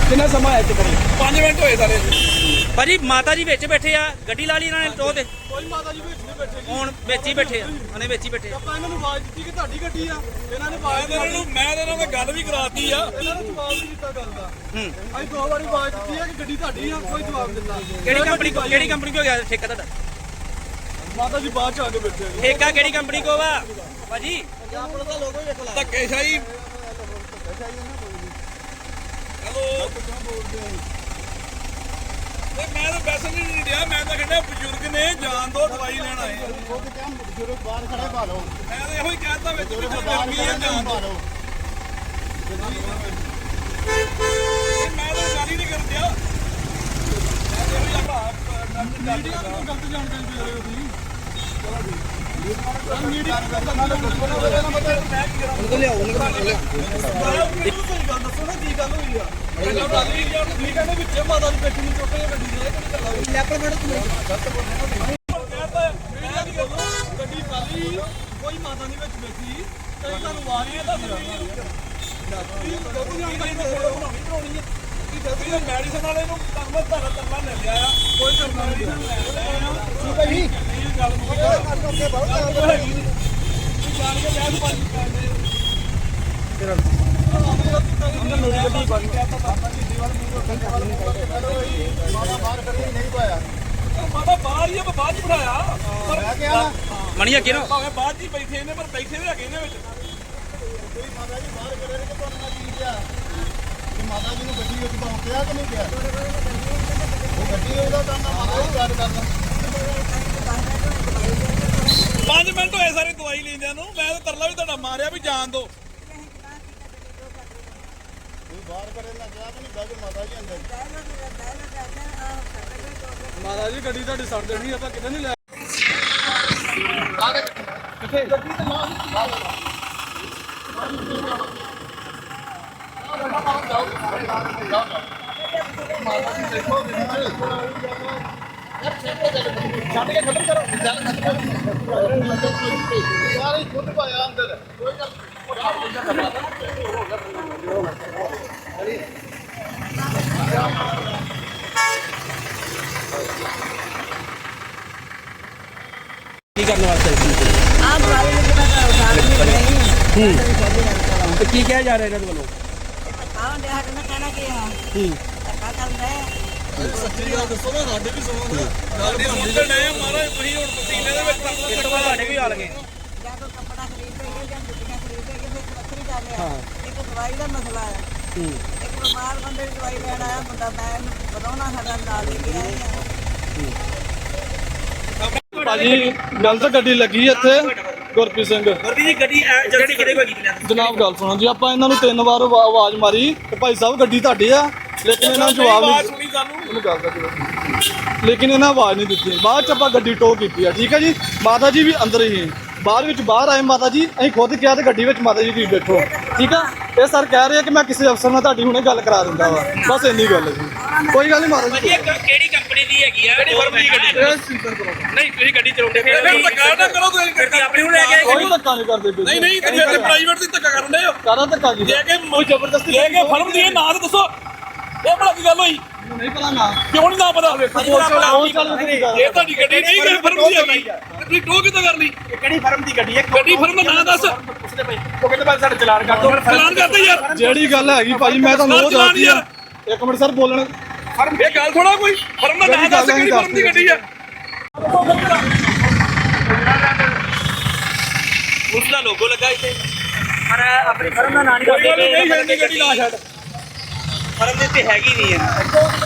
ਕਿੰਨਾ ਸਮਾਂ ਹੈ ਇੱਥੇ ਕਰੀ 5 ਮਿੰਟ ਹੋਏ ਸਾਰੇ ਭਾਜੀ ਮਾਤਾ ਜੀ ਵਿੱਚ ਬੈਠੇ ਆ, ਗੱਡੀ ਲਾ ਲਈ ਇਹਨਾਂ ਨੇ ਟੋ ਤੇ। ਕੋਈ ਮਾਤਾ ਜੀ ਵਿੱਚ ਨਹੀਂ ਬੈਠੇ ਜੀ, ਹੁਣ ਵਿੱਚ ਹੀ ਬੈਠੇ ਆ, ਉਹਨੇ ਵਿੱਚ ਹੀ ਬੈਠੇ ਆ। ਆਪਾਂ ਇਹਨਾਂ ਨੂੰ ਆਵਾਜ਼ ਦਿੱਤੀ ਕਿ ਤੁਹਾਡੀ ਗੱਡੀ ਆ, ਇਹਨਾਂ ਨੇ ਆਵਾਜ਼ ਇਹਨਾਂ ਨੂੰ ਮੈਂ ਇਹਨਾਂ ਨਾਲ ਗੱਲ ਵੀ ਕਰਾਤੀ ਆ, ਇਹਨਾਂ ਨੇ ਜਵਾਬ ਨਹੀਂ ਦਿੱਤਾ ਗੱਲ ਦਾ। ਅਸੀਂ 2 ਵਾਰੀ ਆਵਾਜ਼ ਦਿੱਤੀ ਆ ਕਿ ਗੱਡੀ ਤੁਹਾਡੀ ਆ, ਕੋਈ ਜਵਾਬ ਦਿੱਤਾ। ਕਿਹੜੀ ਕੰਪਨੀ ਕੋ ਗਿਆ ਠੇਕਾ ਤੁਹਾਡਾ? ਮਾਤਾ ਜੀ ਬਾਅਦ ਚ ਆ ਕੇ ਬੈਠੇ ਆ। ਠੇਕਾ ਕਿਹੜੀ ਕੰਪਨੀ ਕੋ ਵਾ ਭਾਜੀ? ਧੱਕੇਸ਼ਾਹੀ ਹੈਲੋ ਮੈਂ ਤਾਂ ਪੈਸੇ ਨਹੀਂ ਦਿਆ, ਮੈਂ ਤਾਂ ਕਹਿੰਦਾ ਬਜ਼ੁਰਗ ਨੇ ਜਾਨ ਦੋ, ਦਵਾਈ ਲੈਣ ਆਏ ਬਜ਼ੁਰਗ ਬਾਹਰ ਖੜੇ ਭਾਲੋ। ਮੈਂ ਤਾਂ ਇਹੋ ਹੀ ਕਹਿਤਾ ਵਿੱਚ ਗਰਮੀ ਹੈ ਜਾਨ ਦੋ। ਮੈਂ ਤਾਂ ਗੱਲ ਹੀ ਨਹੀਂ ਕਰ ਦਿਆ, ਮੈਂ ਤਾਂ ਇਹੋ ਹੀ ਆਪਣਾ ਗਲਤ ਜਾਣਕਾਰੀ ਦੇ ਰਹੇ ਹੋ ਤੁਸੀਂ। ਦੱਸੋ ਨਾ ਕੀ ਗੱਲ ਹੋਈ ਆ? ਮਾਤਾ ਦੀ ਬੈਠੀ ਨੂੰ ਚੁੱਕ ਕੇ ਗੱਡੀ ਗੱਡੀ ਖਾਲੀ, ਕੋਈ ਮਾਤਾ ਨਹੀਂ ਵਿੱਚ ਬੈਠੀ, ਤੇ ਤੁਹਾਨੂੰ ਆਵਾਜ਼ ਨਹੀਂ ਮੈਡੀਸਨ ਵਾਲੇ ਨੂੰ ਤਰਲਾ ਲੈ ਲਿਆ ਆ, ਕੋਈ ਤਰਲਾ ਨਹੀਂ ਗੱਲ ਮਾਤਾ ਬਾਹਰ ਹੀ ਆ, ਬਾਅਦ ਚ ਬਿਠਾਇਆ ਮਣੀ ਅੱਗੇ ਨਾ ਭਾਵੇਂ ਬਾਅਦ ਚ ਬੈਠੇ ਨੇ, ਪਰ ਬੈਠੇ ਵੀ ਹੈਗੇ ਨੇ ਵਿੱਚ। ਮਾਤਾ ਜੀ ਬਾਹਰ ਖੜੇ ਨੇ ਕਿ ਤੁਹਾਨੂੰ ਮੈਂ ਕੀ ਕਿਹਾ ਕਿ ਮਾਤਾ ਜੀ ਨੂੰ ਗੱਡੀ ਵਿੱਚ ਪਾਉਂਦਿਆ ਕਿ ਨਹੀਂ ਕਿਹਾ? ਉਹ ਗੱਡੀ ਉਹਦਾ ਕੰਮ ਆ, ਮਾਤਾ ਜੀ ਗੱਲ ਕਰਦਾ। 5 ਮਿੰਟ ਹੋਏ ਸਾਰੇ ਦਵਾਈ ਲੈਂਦਿਆਂ ਨੂੰ, ਮੈਂ ਤਾਂ ਤਰਲਾ ਵੀ ਤੁਹਾਡਾ ਮਾਰਿਆ ਵੀ ਜਾਣ ਦੋ। ਤੁਸੀਂ ਬਾਹਰ ਖੜੇ ਨਾ ਕਿਹਾ ਕਿ ਨਹੀਂ ਬੈਠ ਮਾਤਾ ਜੀ ਅੰਦਰ। ਮਾਤਾ ਜੀ ਗੱਡੀ ਤੁਹਾਡੀ ਸੜ ਦੇਣੀ, ਆਪਾਂ ਕਿਤੇ ਨਹੀਂ ਲੈ ਛੱਡ ਕੇ ਖਤਮ ਕਰੋ, ਗੱਲ ਖਤਮ ਕਰੋ। ਯਾਰ ਖੁਦ ਪਾਇਆ ਅੰਦਰ, ਕੋਈ ਗੱਲ ਕੀ ਕਰਨ ਵਾਸਤੇ आप गाड़ी लेके बैठा हो, गाड़ी में नहीं ਤੇ ਕੀ ਕਿਹਾ ਜਾ ਰਿਹਾ ਇਹਨਾਂ ਦੇ ਵੱਲੋਂ? कौन देहात में कहना कि क्या कर रहे हैं? ਸੱਚੀ ਗੱਲ ਦੱਸੋ ਨਾ, ਸਾਡੇ ਵੀ ਸੁਣੋ ਨਾ ਗੱਲ ਦੀ ਸੁਣਦੇ ਨੇ ਮਹਾਰਾਜ। ਤੁਸੀਂ ਹੁਣ ਪਸੀਨੇ ਦੇ ਵਿੱਚ ਇਸ ਤੋਂ ਬਾਅਦ ਸਾਡੇ ਵੀ ਆ ਲਗੇ। या तो कपड़ा खरीदेंगे या जुतियाँ खरीदेंगे, फिर बकरी डाले एक दवाई का मसला है। एक बीमार बंदे की दवाई लेना आया बंदा, मैं बताना साडा नाल लेके आए हैं। ਭਾਜੀ ਗਲਤ ਗੱਡੀ ਲੱਗੀ ਇੱਥੇ ਗੁਰਪ੍ਰੀਤ ਸਿੰਘ ਵਰਦੀ ਦੀ ਗੱਡੀ ਜਲਦੀ ਕਿਹਦੇ ਕੋਲ ਕੀਤੀ? ਜਨਾਬ ਗੱਲ ਸੁਣੋ ਜੀ, ਆਪਾਂ ਇਹਨਾਂ ਨੂੰ 3 ਵਾਰ ਆਵਾਜ਼ ਮਾਰੀ ਕਿ ਭਾਈ ਸਾਹਿਬ ਗੱਡੀ ਤੁਹਾਡੀ ਆ, ਲੇਕਿਨ ਇਹਨਾਂ ਨੂੰ ਜਵਾਬ ਨਹੀਂ। ਉਹਨੂੰ ਗੱਲ ਦਾ ਜਵਾਬ, ਲੇਕਿਨ ਇਹਨਾਂ ਆਵਾਜ਼ ਨਹੀਂ ਦਿੱਤੀ। ਬਾਅਦ ਚ ਆਪਾਂ ਗੱਡੀ ਟੋ ਕੀਤੀ ਆ, ਠੀਕ ਹੈ ਜੀ। ਮਾਤਾ ਜੀ ਵੀ ਅੰਦਰ ਹੀ ਬਾਹਰ ਆਏ ਮਾਤਾ ਜੀ, ਅਸੀਂ ਖੁਦ ਕਿਹਾ ਤੇ ਗੱਡੀ ਵਿੱਚ ਮਾਤਾ ਜੀ ਤੁਸੀਂ ਬੈਠੋ, ਠੀਕ ਆ। ਇਹ ਸਰ ਕਹਿ ਰਹੇ ਆ ਕਿ ਮੈਂ ਕਿਸੇ ਅਫਸਰ ਨਾਲ ਤੁਹਾਡੀ ਹੁਣੇ ਗੱਲ ਕਰਾ ਦਿੰਦਾ ਵਾ, ਬਸ ਇੰਨੀ ਗੱਲ ਹੈ ਜੀ, ਕੋਈ ਗੱਲ ਨਹੀਂ ਮਾਤਾ ਜੀ। ਕਿਹੜੀ ਕੰਪਨੀ ਦੀ ਹੈਗੀ ਆ? ਕਿਹੜੀ ਫਰਮ ਦੀ ਗੱਡੀ? ਨਹੀਂ ਤੁਸੀਂ ਗੱਡੀ ਚਲਾਉਂਦੇ ਫਿਰ ਧੱਕਾ ਨਾ ਕਰੋ, ਤੁਸੀਂ ਗੱਡੀ ਆਪਣੀ ਨੂੰ ਲੈ ਕੇ ਆਏ। ਕੋਈ ਧੱਕਾ ਨਹੀਂ ਕਰਦੇ ਪਏ। ਨਹੀਂ ਤੇ ਪ੍ਰਾਈਵੇਟ ਦੀ ਧੱਕਾ ਕਰਨ ਦੇ ਹੋ, ਕਾਹਦਾ ਧੱਕਾ ਜੀ? ਜੇ ਕਿ ਕੋਈ ਜ਼ਬਰਦਸਤੀ ਜੇ ਕਿ ਫਰਮ ਦੀ ਨਾਂ ਤਾਂ ਦੱਸੋ, ਇਹ ਬੜਾ ਕੀ ਗੱਲ ਹੋਈ? ਨਹੀਂ ਪਤਾ ਨਾ ਕਿਉਂ ਨਹੀਂ ਨਾ ਪਤਾ? ਇਹ ਇਹ ਤੁਹਾਡੀ ਗੱਡੀ ਨਹੀਂ ਕਿ ਫਰਮ ਦੀ ਹੈਗੀ, ਤੁਸੀਂ ਟੋ ਕਿੱਦਾਂ ਕਰ ਲਈ? ਕਿਹੜੀ ਫਰਮ ਦੀ ਗੱਡੀ ਹੈ? ਗੱਡੀ ਫਰਮ ਦਾ ਨਾਂ ਦੱਸ। ਉਹ ਕਹਿੰਦੇ ਭਾਈ ਸਾਡੇ ਚਲਾਨ ਕਰ ਦਿਓ। ਚਲਾਨ ਕਰਦੇ ਯਾਰ, ਜਿਹੜੀ ਗੱਲ ਹੈਗੀ ਭਾਜੀ ਮੈਂ ਤੁਹਾਨੂੰ ਉਹ ਦੱਸਦੀ ਆ। ਇੱਕ ਮਿੰਟ ਸਰ ਬੋਲਣ, ਇਹ ਗੱਲ ਥੋੜਾ ਕੋਈ ਫਰਮ ਦਾ ਨਾਂ ਦੱਸ, ਕਿਹੜੀ ਫਰਮ ਦੀ ਗੱਡੀ ਆ? ਉਸ ਦਾ ਲੋਗੋ ਲੱਗਾ ਇੱਥੇ, ਪਰ ਆਪਣੀ ਫਰਮ ਦਾ ਨਾਂ ਨਹੀਂ ਕੋਈ ਗੱਲ ਦੱਸਦੇ। ਨਹੀਂ, ਛੱਡਣੀ ਗੱਡੀ ਨਾ ਛੱਡ। ਫਰਮ ਦੇ ਉੱਤੇ ਹੈਗੀ ਨਹੀਂ ਹੈ।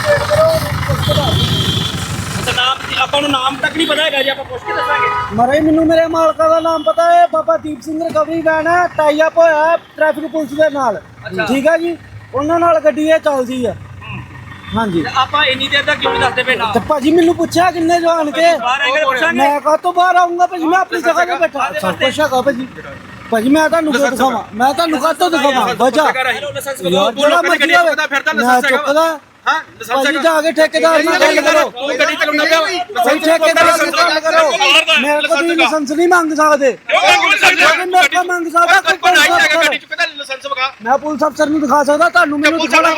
ਅੱਛਾ ਨਾਮ ਆਪਾਂ ਨੂੰ ਨਾਮ ਤੱਕ ਨਹੀਂ ਪਤਾ ਹੈਗਾ ਜੀ, ਆਪਾਂ ਪੁੱਛ ਕੇ ਦੱਸਾਂਗੇ। ਮਰੇ ਮੈਨੂੰ ਮੇਰੇ ਮਾਲਕਾਂ ਦਾ ਨਾਮ ਪਤਾ ਹੈ, ਬਾਬਾ ਦੀਪ ਸਿੰਘ ਰਿਕਵਰੀ ਵੈਨ ਹੈ, ਟਾਈ ਅਪ ਹੋਇਆ ਹੈ ਟ੍ਰੈਫਿਕ ਪੁਲਿਸ ਦੇ ਨਾਲ, ਠੀਕ ਹੈ ਜੀ। ਉਹਨਾਂ ਨਾਲ ਗੱਡੀ ਇਹ ਚੱਲਦੀ ਹੈ। ਹਾਂਜੀ ਆਪਾਂ ਇੰਨੀ ਦੇਰ ਤੱਕ ਕਿਉਂ ਨਹੀਂ ਦੱਸਦੇ ਪਏ ਨਾਮ? ਤੇ ਭਾਜੀ ਮੈਨੂੰ ਪੁੱਛਿਆ ਕਿੰਨੇ ਜਾਣ ਕੇ, ਬਾਹਰ ਆਏਗਾ ਪੁੱਛਾਂਗੇ। ਮੈਂ ਕਾਹਤੋਂ ਬਾਹਰ ਆਉਂਗਾ ਭਾਜੀ, ਮੈਂ ਆਪਣੀ ਜਗ੍ਹਾ ਤੇ ਬੈਠਾ। ਸਭ ਕੁਛ ਹੈਗਾ ਭਾਜੀ, ਭਾਜੀ ਮੈਂ ਤੁਹਾਨੂੰ ਕਿਉਂ ਦਿਖਾਵਾਂ? ਮੈਂ ਤੁਹਾਨੂੰ ਕਾਹਤੋਂ ਦਿਖਾਵਾਂ? ਵਜ੍ਹਾ ਯਾਰ ਜਿਹੜਾ ਮਰਜ਼ੀ ਹੋਵੇ, ਮੈਂ ਚੁੱਕਦਾ ਹਾਂ ਲਾਇਸੈਂਸ ਭਾਜੀ ਜਾ ਕੇ ਠੇਕੇਦਾਰ ਨਾਲ ਗੱਲ ਕਰੋ ਤੂੰ ਗੱਡੀ ਚਲਾਉਂਦਾ ਪਿਆ ਭਾਈ ਠੇਕੇਦਾਰ ਨਾਲ ਗੱਲ ਕਰੋ ਮੇਰੇ ਕੋਲ ਤੁਸੀਂ ਲਾਇਸੈਂਸ ਨਹੀਂ ਮੰਗ ਸਕਦੇ ਲੇਕਿਨ ਮੇਰੇ ਕੋਲ ਮੰਗ ਸਕਦਾ ਕੋਈ ਪੁਲਿਸ ਅਫਸਰ। ਗੱਡੀ ਚ ਕਹਿੰਦਾ ਲਾਇਸੈਂਸ ਵਿਖਾ ਮੈਂ ਪੁਲਿਸ ਅਫਸਰ ਨੂੰ ਦਿਖਾ ਸਕਦਾ ਤੁਹਾਨੂੰ ਮੈਨੂੰ ਦਿਖਾਉਣਾ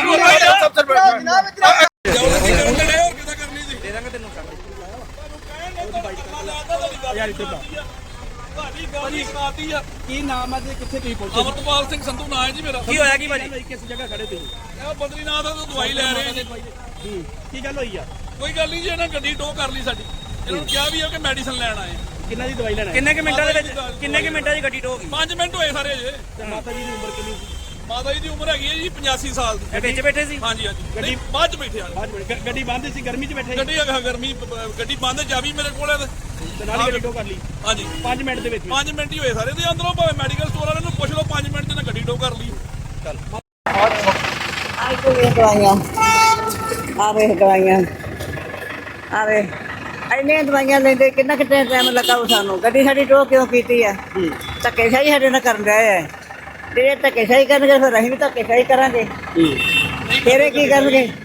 ਕੀ ਨਾਮ ਹੈ ਤੇ ਕਿੱਥੇ ਤੁਸੀਂ ਪਹੁੰਚੇ ਅਮਰਪਾਲ ਸਿੰਘ ਸੰਧੂ ਨਾਂ ਹੈ ਜੀ ਮੇਰਾ ਕੀ ਹੋਇਆ ਕੀ ਭਾਜੀ ਕਿਸ ਜਗ੍ਹਾ ਖੜੇ ਤੁਸੀਂ ਇਹ ਬਦਰੀਨਾਥ ਤੋਂ ਦਵਾਈ ਲੈ ਰਹੇ ਹਾਂ ਜੀ ਕੀ ਗੱਲ ਹੋਈ ਆ ਕੋਈ ਗੱਲ ਨਹੀਂ ਜੀ ਇਹਨਾਂ ਗੱਡੀ ਟੋ ਕਰ ਲਈ ਸਾਡੀ ਇਹਨਾਂ ਨੂੰ ਕਿਹਾ ਵੀ ਹੈ ਕਿ ਮੈਡੀਸਨ ਲੈਣ ਆਏ ਕਿੰਨਾ ਦੀ ਦਵਾਈ ਲੈਣਾ ਕਿੰਨੇ ਕੁ ਮਿੰਟਾਂ ਦੇ ਵਿੱਚ ਕਿੰਨੇ ਕੁ ਮਿੰਟਾਂ 'ਚ ਗੱਡੀ ਟੋ ਗਈ 5 ਮਿੰਟ ਹੋਏ ਸਾਰੇ ਜੇ ਤੇ ਮਾਤਾ ਜੀ ਦੀ ਉਮਰ ਕਿੰਨੀ ਸੀ ਮਾਤਾ ਜੀ ਦੀ ਉਮਰ ਹੈਗੀ ਹੈ ਜੀ 85 ਸਾਲ ਦੀ ਇਹ ਵਿੱਚ ਬੈਠੇ ਸੀ ਹਾਂਜੀ ਹਾਂਜੀ ਨਹੀਂ ਬਾਅਦ ਚ ਬੈਠੇ ਆ ਗੱਡੀ ਬੰਦ ਸੀ ਗਰਮੀ 'ਚ ਬੈਠੇ ਗੱਡੀ ਹੈਗਾ ਗਰਮੀ ਗੱਡੀ ਬੰਦ ਚਾਬੀ ਮੇਰੇ ਕੋਲ ਹੈ ਤੇ ਨਾਲ ਹੀ ਗੱਡੀ ਟੋ ਕਰ ਲਈ ਹਾਂਜੀ 5 ਮਿੰਟ ਦੇ ਵਿੱਚ 5 ਮਿੰਟ ਹੀ ਹੋਏ ਸਾਰੇ ਦੇ ਅੰਦਰੋਂ ਭਾਵੇਂ ਮੈਡੀਕਲ ਸਟੋਰ ਵਾਲਿਆਂ ਨੂੰ ਪੁੱਛ ਲਓ 5 ਮਿੰਟ ਚ ਨਾ ਗੱਡੀ ਟੋ ਕਰ ਲਈ ਆਹ ਕੋਈ ਇਹ ਦਵਾਈਆਂ ਆ ਵੇ ਦਵਾਈਆਂ ਆ ਵੇ ਇੰਨੇ ਦਵਾਈਆਂ ਲੈਂਦੇ ਕਿੰਨਾ ਕਿਤੇ ਟਾਈਮ ਲੱਗਾ ਉਹ ਸਾਨੂੰ ਗੱਡੀ ਸਾਡੀ ਟੋ ਕਿਉਂ ਕੀਤੀ ਹੈ ਧੱਕੇਸ਼ਾਹੀ ਸਾਡੇ ਨਾਲ ਕਰਨ ਰਹੇ ਹੈ ਜੇ ਧੱਕੇਸ਼ਾਹੀ ਕਰਨਗੇ ਫਿਰ ਅਸੀਂ ਵੀ ਧੱਕੇਸ਼ਾਹੀ ਕਰਾਂਗੇ ਫਿਰ ਇਹ ਕੀ ਕਰਨਗੇ